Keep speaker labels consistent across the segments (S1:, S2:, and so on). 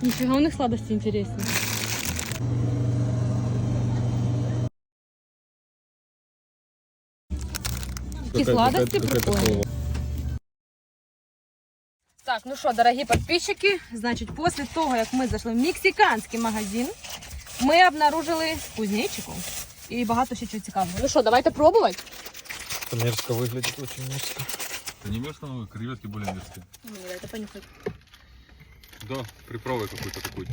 S1: Нифига у них сладости интересные. Такие сладости прикольные. Так, ну что, дорогие подписчики, значит, после того, как мы зашли в мексиканский магазин, ми обнаружили кузнечиков і багато ще чого цікавого. Ну що, давайте пробувати?
S2: Это мерзко выглядит, очень мерзко.
S3: Это не мерзко, но креветки более мерзкие.
S1: Ну, давайте понюхать.
S3: Да, приправой какой-то такой.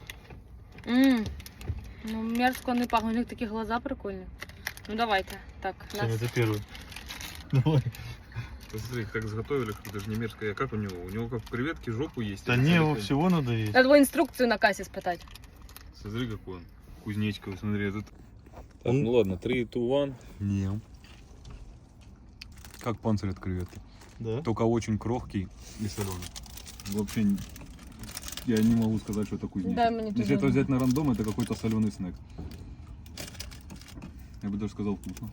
S1: Ну, мерзко не пахнет, у них такие глаза прикольные. Ну, давайте. Так, нас...
S2: Это первый. Давай.
S3: Посмотри, как заготовили, даже не мерзкое. А как у него? У него как креветки жопу есть.
S2: Да не, его всего надо есть.
S1: Надо было инструкцию на кассе спитать.
S3: Смотри, какой он. Кузнечка, смотри, этот. Так,
S2: Он-
S3: ну ладно, 3, 2, 1.
S2: Не.
S3: Как панцирь от креветки.
S2: Да?
S3: Только очень крохкий и соленый. Вообще, я не могу сказать, что это кузнечик.
S1: Да, мне тоже
S3: Если это
S1: не.
S3: взять на рандом, это какой-то соленый снэк. Я бы даже сказал вкусно.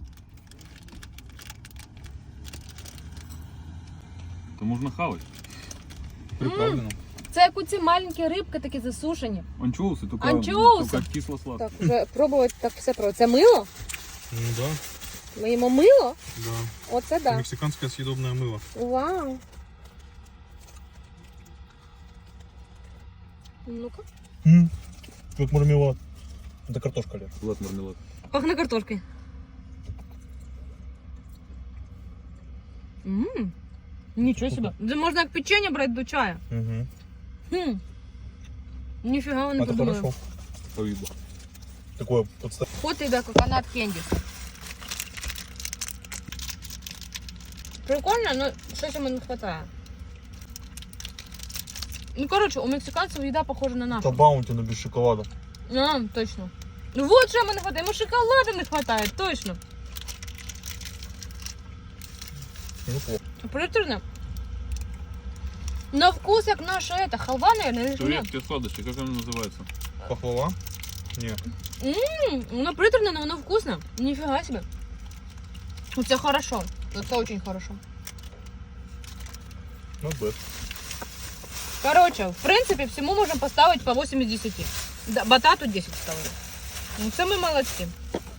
S3: Это можно хавать. Приправлено.
S1: Це як оці маленькі рибки такі засушені.
S3: Анчоусы, только,
S1: Анчоусы?
S3: только кисло-сладкие.
S1: Так, вже пробувати так все про. Це мило?
S2: Ну да,
S1: Ми їмо мило?
S2: да.
S1: Оце да.
S2: Мексиканское съедобное мыло.
S1: Вау. Ну-ка.
S2: Как мармелад. Это картошка, Лер.
S3: Салат, мармелад.
S1: Пахне картошкою. Нічого себе. Це можна як печення брати до чая.
S2: Угу.
S1: Хм. Ніфіга не
S2: Это
S1: подумала.
S2: хорошо.
S3: По виду.
S2: Такое подставь.
S1: Вот тебе коконат кендіс. Прикольно, но щось йому не вистачає. Ну, короче, у мексиканців їда похожа на нашу.
S2: Это баунти, но без шоколада.
S1: А, точно. Ну вот що йому не вистачає, йому шоколаду не вистачає, точно.
S2: Неплохо.
S1: Приторно. На вкус як наша это, халва, наверное, или нет?
S3: Креветки сладости, как она называется?
S2: Пахлава? Не.
S1: Воно приторно, но воно вкусно. Нифига себе. Это хорошо. Это очень хорошо.
S2: Not bad.
S1: Короче, в принципе, всему можем поставить по 8 из 10. Да, батату 10 ставили. Ну, це ми молодці.